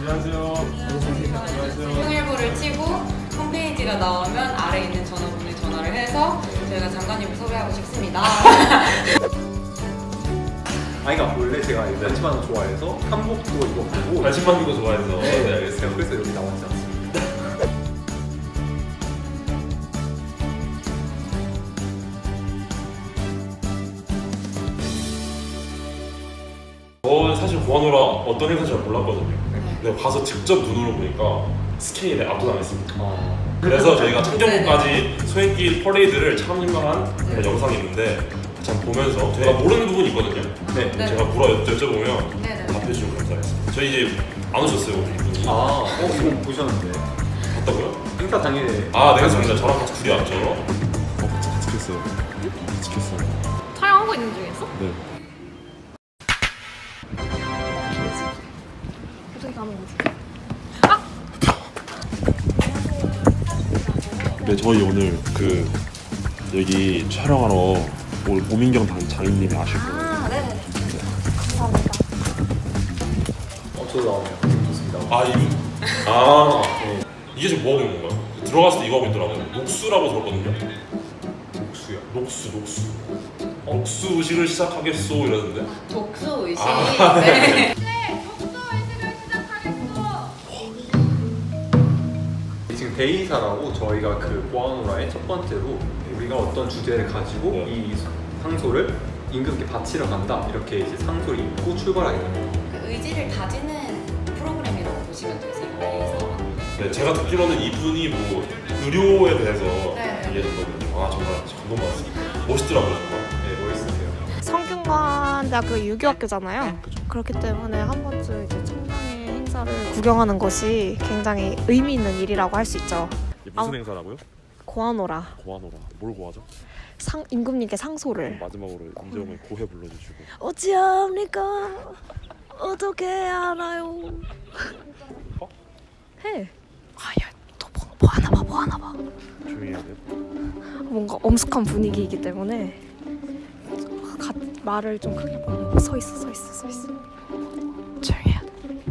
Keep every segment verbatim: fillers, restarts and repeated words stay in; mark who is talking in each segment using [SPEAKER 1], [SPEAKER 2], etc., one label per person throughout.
[SPEAKER 1] 안녕하세요. 안녕하세요.
[SPEAKER 2] 통일부를 치고 홈페이지가 나오면 아래 있는 전화번호에 전화를 해서 저희가 장관님을 섭외하고 싶습니다.
[SPEAKER 3] 아이가 원래 제가 나치마는 좋아해서 한복도 입어보고
[SPEAKER 1] 관심 받는 거 좋아해서.
[SPEAKER 3] 네,
[SPEAKER 1] 네, 알겠어요.
[SPEAKER 3] 그래서 여기 나왔지 않습니다.
[SPEAKER 1] 저 사실 고아노라 어떤 행사인지 잘 몰랐거든요. 근데 가서 직접 눈으로 보니까 스케일에 압도당했습니다.
[SPEAKER 3] 어,
[SPEAKER 1] 그래서 저희가 창경부까지 소행길 퍼레이드를 참여한 그런 영상이 있는데 참 보면서 제가 모르는 부분이 있거든요.
[SPEAKER 3] 네.
[SPEAKER 2] 네.
[SPEAKER 1] 제가 물어 여- 여쭤보면
[SPEAKER 2] 네네.
[SPEAKER 1] 답해주시면 감사하겠습니다. 저희 이제 안 오셨어요, 오늘 이분이.
[SPEAKER 3] 아, 어, 이거 보셨는데
[SPEAKER 1] 봤다고요?
[SPEAKER 3] 행사 당일에
[SPEAKER 1] 아, 네, 맞습니다. 저랑 같이 둘이 왔죠.
[SPEAKER 4] 어, 같이 찍혔어요. 찍혔어요.
[SPEAKER 5] 촬영하고 있는 중이었어?
[SPEAKER 4] 네.
[SPEAKER 5] 어떻게 가는 거지?
[SPEAKER 4] 네, 저희 오늘 그 여기 촬영하러 올 오민경 당 장인님이 아실 거예요.
[SPEAKER 5] 아, 네네. 감사합니다.
[SPEAKER 3] 어, 저도 나오네요. 좋습니다.
[SPEAKER 1] 아, 이분? 아, 네. 이게 지금 뭐 하고 있는 건가요? 들어갔을 때 이거 하고 있더라고요. 녹수라고 들었거든요.
[SPEAKER 3] 녹수요.
[SPEAKER 1] 녹수, 녹수. 녹수 의식을 시작하겠소 이러는데.
[SPEAKER 2] 독수 의식.
[SPEAKER 1] 아,
[SPEAKER 2] 네.
[SPEAKER 3] 지금 데이사라고 저희가 그 보아노라의 첫 번째로 우리가 어떤 주제를 가지고
[SPEAKER 1] 네.
[SPEAKER 3] 이 상소를 임금께 바치러 간다 이렇게 이제 상소를 입고 출발하게 됩니다.
[SPEAKER 2] 그 의지를 다지는 프로그램이라고 보시면 되세요. 그래서
[SPEAKER 1] 네, 제가 듣기로는 이분이 뭐 의료에 대해서
[SPEAKER 2] 네.
[SPEAKER 1] 얘기했거든요. 아, 정말 감동받았습니다. 멋있더라고요, 정말.
[SPEAKER 3] 네, 멋있으세요.
[SPEAKER 5] 성균관대학교 유교학교잖아요. 그렇기 때문에 한 번쯤 이제 청량의 행사를 구경하는 것이 굉장히 의미 있는 일이라고 할 수 있죠.
[SPEAKER 4] 이게 무슨
[SPEAKER 5] 아.
[SPEAKER 4] 행사라고요?
[SPEAKER 5] 고아노라.
[SPEAKER 4] 고아노라. 뭘 고하죠?
[SPEAKER 5] 상 임금님께 상소를.
[SPEAKER 4] 마지막으로 임재용의 고해 불러주시고.
[SPEAKER 5] 어찌합니까? 어떻게 알아요?
[SPEAKER 4] 어?
[SPEAKER 5] 해. 아야, 또뭐 뭐 하나 봐, 뭐 하나 봐.
[SPEAKER 4] 조용히 해야 돼요.
[SPEAKER 5] 뭔가 엄숙한 분위기이기 때문에 가, 말을 좀 크게 봐. 서 있어, 서 있어, 서 있어. 조용히 해야 돼.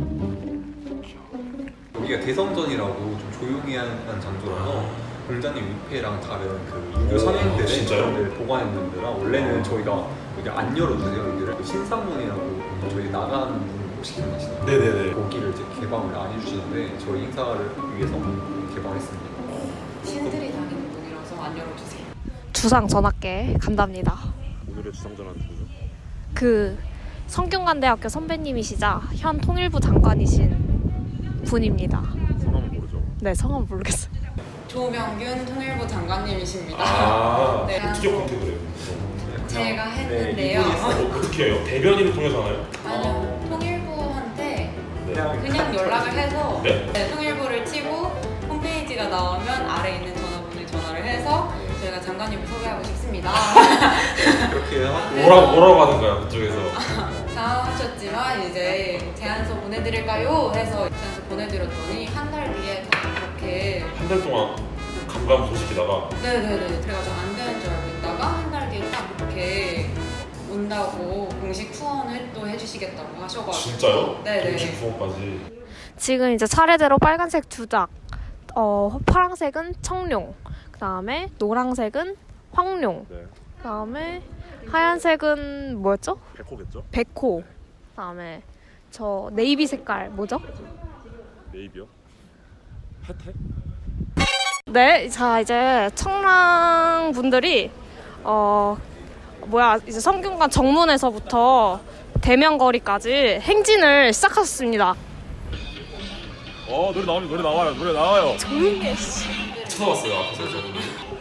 [SPEAKER 3] 여기가 대성전이라고 좀 조용히 하는 장소라서 공자님 위패랑 다른 그 유교 선행들의
[SPEAKER 1] 아, 진짜요?
[SPEAKER 3] 것들을 보관했는 데라 원래는 저희가 여기 안 열어주세요. 여기를 신상문이라고 저희 나간 분 혹시 기억나시나요?
[SPEAKER 1] 네네네.
[SPEAKER 3] 거기를 이제 개방을 안 해주시는데 저희 행사를 위해서 개방했습니다.
[SPEAKER 2] 신들이 다니는 분이라서 안 열어주세요.
[SPEAKER 5] 주상 전학계 간답니다.
[SPEAKER 4] 오늘의 주상전환 누구죠?
[SPEAKER 5] 그 성균관대학교 선배님이시자 현 통일부 장관이신 분입니다.
[SPEAKER 4] 성함은 모르죠.
[SPEAKER 5] 네, 성함 모르겠어요.
[SPEAKER 2] 조명균 통일부 장관님이십니다.
[SPEAKER 1] 아,
[SPEAKER 2] 네.
[SPEAKER 1] 어떻게 컨택을 해요?
[SPEAKER 2] 제가
[SPEAKER 3] 네,
[SPEAKER 2] 했는데요.
[SPEAKER 3] 이분이 있어요.
[SPEAKER 1] 어떻게 해요? 대변인을 통해서 하나요?
[SPEAKER 2] 아니요, 통일부한테
[SPEAKER 3] 그냥
[SPEAKER 2] 그냥 연락을 해서
[SPEAKER 1] 네?
[SPEAKER 2] 네, 통일부를 치고 홈페이지가 나오면 아래 있는 전화번호에 전화를 해서 저희가 장관님을 섭외하고 싶습니다.
[SPEAKER 3] 그렇게 하고
[SPEAKER 1] 뭐라고, 뭐라고 하는가요, 그쪽에서?
[SPEAKER 2] 당황하셨지만 이제 제안서 보내드릴까요? 해서 제안서 보내드렸더니 한 달 뒤에 그렇게
[SPEAKER 1] 한 달 동안 감감 소식이다가
[SPEAKER 2] 네네네 제가 좀 안 되는 줄 알고 있다가 한 달 뒤에 딱 이렇게 온다고 공식 후원을 또 해주시겠다고 하셔가지고
[SPEAKER 1] 진짜요?
[SPEAKER 2] 네네.
[SPEAKER 1] 공식 후원까지.
[SPEAKER 5] 지금 이제 차례대로 빨간색 두 장, 어 파란색은 청룡, 그 다음에 노란색은 황룡,
[SPEAKER 4] 네.
[SPEAKER 5] 그 다음에 하얀색은 뭐였죠?
[SPEAKER 4] 백호겠죠?
[SPEAKER 5] 백호, 그 다음에 저 네이비 색깔 뭐죠?
[SPEAKER 4] 네이비요? 혜태?
[SPEAKER 5] 네, 자 이제 청랑 분들이 어 뭐야 이제 성균관 정문에서부터 대면거리까지 행진을 시작하셨습니다.
[SPEAKER 4] 어 노래 나오면 노래 나와요. 노래 나와요.
[SPEAKER 5] 조용히 해. 씨.
[SPEAKER 1] 쳐다봤어요, 앞에서 저분이.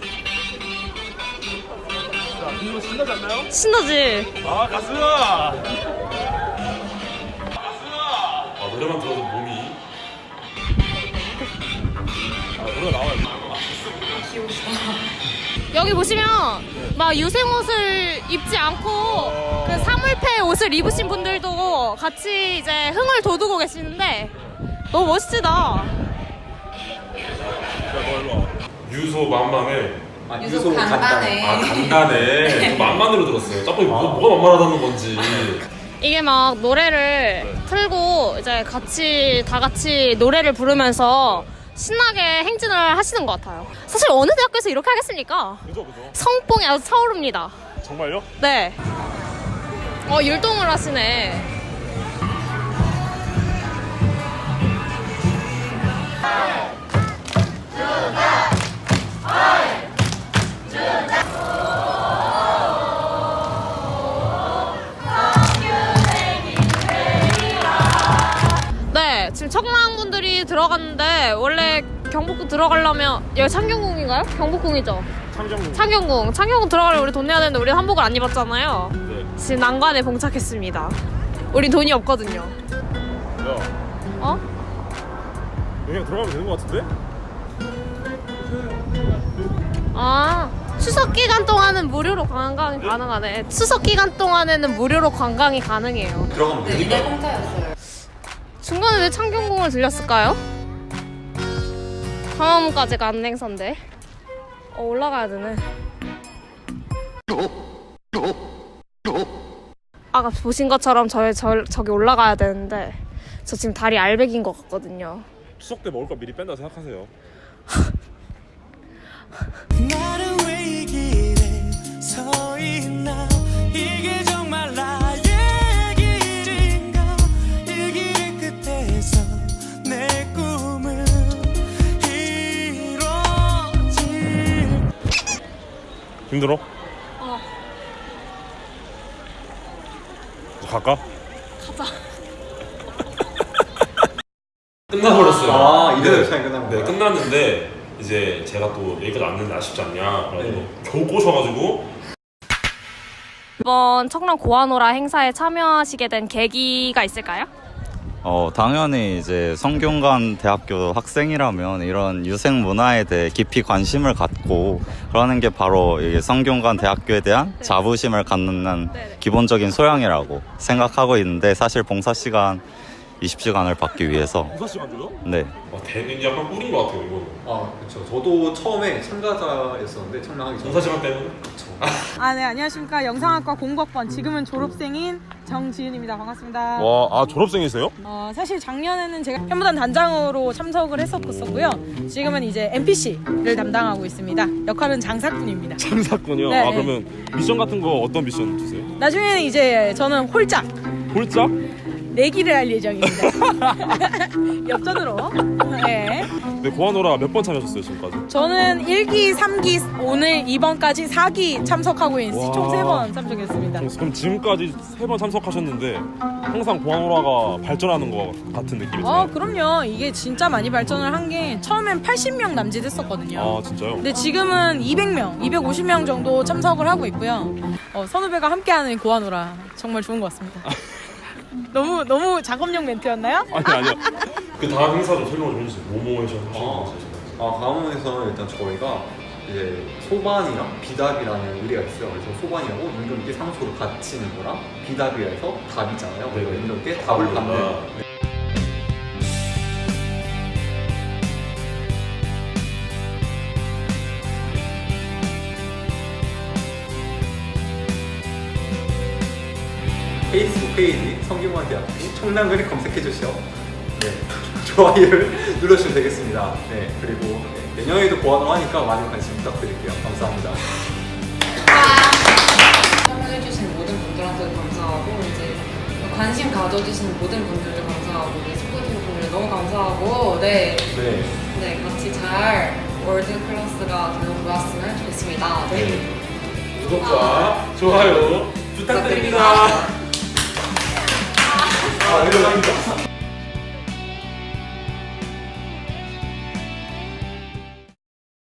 [SPEAKER 4] 자, 이거 신나지 않나요?
[SPEAKER 5] 신나지?
[SPEAKER 4] 아 가수야.
[SPEAKER 1] 아, 노래만 들어도 몸이.
[SPEAKER 4] 아 노래 나와요.
[SPEAKER 5] 여기 보시면 막 유생 옷을 입지 않고 그 사물패 옷을 입으신 분들도 같이 이제 흥을 돋우고 계시는데 너무 멋지다.
[SPEAKER 4] 야, 너 일로 와.
[SPEAKER 1] 유소 만만해.
[SPEAKER 3] 아,
[SPEAKER 2] 유독
[SPEAKER 3] 유소
[SPEAKER 2] 간단해.
[SPEAKER 1] 아, 간단해. 저 만만으로 들었어요. 짬뽕이 뭐, 뭐가 만만하다는 건지.
[SPEAKER 5] 이게 막 노래를 틀고 이제 같이 다 같이 노래를 부르면서 신나게 행진을 하시는 것 같아요. 사실 어느 대학교에서 이렇게 하겠습니까?
[SPEAKER 4] 그죠 그죠.
[SPEAKER 5] 성뽕이 아주 차오릅니다.
[SPEAKER 4] 정말요?
[SPEAKER 5] 네. 어, 율동을 하시네. 네, 지금 청랑분들이 들어갔는데 원래 경복궁 들어가려면 여기 창경궁인가요? 경복궁이죠?
[SPEAKER 4] 창경.
[SPEAKER 5] 창경궁. 창경궁 들어가려면 우리 돈 내야 되는데 우리 한복을 안 입었잖아요.
[SPEAKER 4] 네.
[SPEAKER 5] 지금 난관에 봉착했습니다. 우리 돈이 없거든요.
[SPEAKER 4] 야,
[SPEAKER 5] 어?
[SPEAKER 4] 그냥 들어가면 되는 것 같은데?
[SPEAKER 5] 아, 추석 기간 동안은 무료로 관광이 가능하네. 추석 기간 동안에는 무료로 관광이 가능해요.
[SPEAKER 3] 들어가면
[SPEAKER 2] 네,
[SPEAKER 3] 되니까.
[SPEAKER 2] 이날 공짜였어요.
[SPEAKER 5] 중간에 왜 창경궁을 들렸을까요? 광화문까지 가는 행사인데. 어, 올라가야 되네. 아까 보신 것처럼 저, 저, 저기 올라가야 되는데 저 지금 다리 알백인 것 같거든요.
[SPEAKER 4] 추석 때 먹을 거 미리 뺀다 생각하세요.
[SPEAKER 6] 나는 왜 이 길에 서 있나 이게 정말 나의 길인가 이 길 끝에서 내 꿈은 이루어질
[SPEAKER 4] 힘들어?
[SPEAKER 5] 어.
[SPEAKER 4] 갈까?
[SPEAKER 1] 끝나버렸어요.
[SPEAKER 3] 아, 이대로
[SPEAKER 1] 네.
[SPEAKER 3] 시간이 끝난
[SPEAKER 1] 네,
[SPEAKER 3] 거야?
[SPEAKER 1] 끝났는데 이제 제가 또 여기까지 왔는데 아쉽지 않냐. 그래가지고
[SPEAKER 3] 네.
[SPEAKER 1] 겨우 꼬셔가지고
[SPEAKER 5] 이번 청랑 고아노라 행사에 참여하시게 된 계기가 있을까요?
[SPEAKER 7] 어, 당연히 이제 성균관 대학교 학생이라면 이런 유생 문화에 대해 깊이 관심을 갖고 그러는 게 바로 이 성균관 대학교에 대한
[SPEAKER 5] 네.
[SPEAKER 7] 자부심을 갖는
[SPEAKER 5] 네네.
[SPEAKER 7] 기본적인 소양이라고 생각하고 있는데 사실 봉사 시간 이십 시간을 받기 위해서
[SPEAKER 4] 여섯 시간 줘요?
[SPEAKER 7] 네.
[SPEAKER 1] 와, 대는 약간 꿀인 것 같아요 이거는.
[SPEAKER 3] 아, 그렇죠. 저도 처음에 참가자였었는데 청량하기 전에.
[SPEAKER 1] 봉사 시간 때문에.
[SPEAKER 8] 아, 네, 안녕하십니까. 영상학과 공법번, 지금은 졸업생인 정지은입니다. 반갑습니다.
[SPEAKER 4] 와, 아 졸업생이세요?
[SPEAKER 8] 어, 사실 작년에는 제가 현무단 단장으로 참석을 했었고요. 지금은 이제 엠피씨를 담당하고 있습니다. 역할은 장사꾼입니다.
[SPEAKER 4] 참사군요.
[SPEAKER 8] 네,
[SPEAKER 4] 아
[SPEAKER 8] 네.
[SPEAKER 4] 그러면 미션 같은 거 어떤 미션 주세요?
[SPEAKER 8] 나중에는 이제 저는 홀짝
[SPEAKER 4] 홀짝?
[SPEAKER 8] 내기를 할 예정입니다. 엽전으로. 네.
[SPEAKER 4] 네, 고아노라 몇 번 참여하셨어요 지금까지?
[SPEAKER 8] 저는 일 기, 삼 기, 오늘 이번까지 사 기 참석하고 있는
[SPEAKER 4] 와.
[SPEAKER 8] 총 세 번 참석했습니다.
[SPEAKER 4] 그럼 지금까지 세 번 참석하셨는데 항상 고아노라가 발전하는 것 같은 느낌이 드네요.
[SPEAKER 8] 어, 그럼요. 이게 진짜 많이 발전을 한 게 처음엔 팔십 명 남짓 했었거든요.
[SPEAKER 4] 아 진짜요?
[SPEAKER 8] 근데 지금은 이백 명, 이백오십 명 정도 참석을 하고 있고요. 어, 선후배가 함께하는 고아노라 정말 좋은 것 같습니다. 너무 너무 작업용 멘트였나요?
[SPEAKER 4] 아니 아니요.
[SPEAKER 1] 그 다음 행사 좀 설명 좀 해주세요. 뭐뭐 해서 하시는
[SPEAKER 3] 아,
[SPEAKER 1] 거죠?
[SPEAKER 3] 아, 강원에서는 일단 저희가 이제 소반이랑 비답이라는 의뢰가 있어요. 그래서 소반이라고 임금께 상소를 바치는 거랑 비답이라서 답이잖아요. 그래서
[SPEAKER 1] 네.
[SPEAKER 3] 임금께 답을
[SPEAKER 1] 답을
[SPEAKER 3] 받는.
[SPEAKER 1] 받는다.
[SPEAKER 3] 네. 페이스북 페이지 성균관 대학교 청량근을 검색해 주시오. 네, 좋아요를 눌러주시면 되겠습니다. 네, 그리고 네, 내년에도 보완을 하니까 많은 관심 부탁드릴게요. 감사합니다.
[SPEAKER 2] 참여해주신 모든 분들한테도 감사하고 이제 관심 가져주신 모든 분들도 감사하고 우리 스포티브 분들 너무 감사하고 네,
[SPEAKER 3] 네,
[SPEAKER 2] 네 같이 잘 월드 클래스가 되어 보았으면 좋겠습니다. 네.
[SPEAKER 1] 구독과 좋아요 부탁드립니다.
[SPEAKER 3] 아, 이거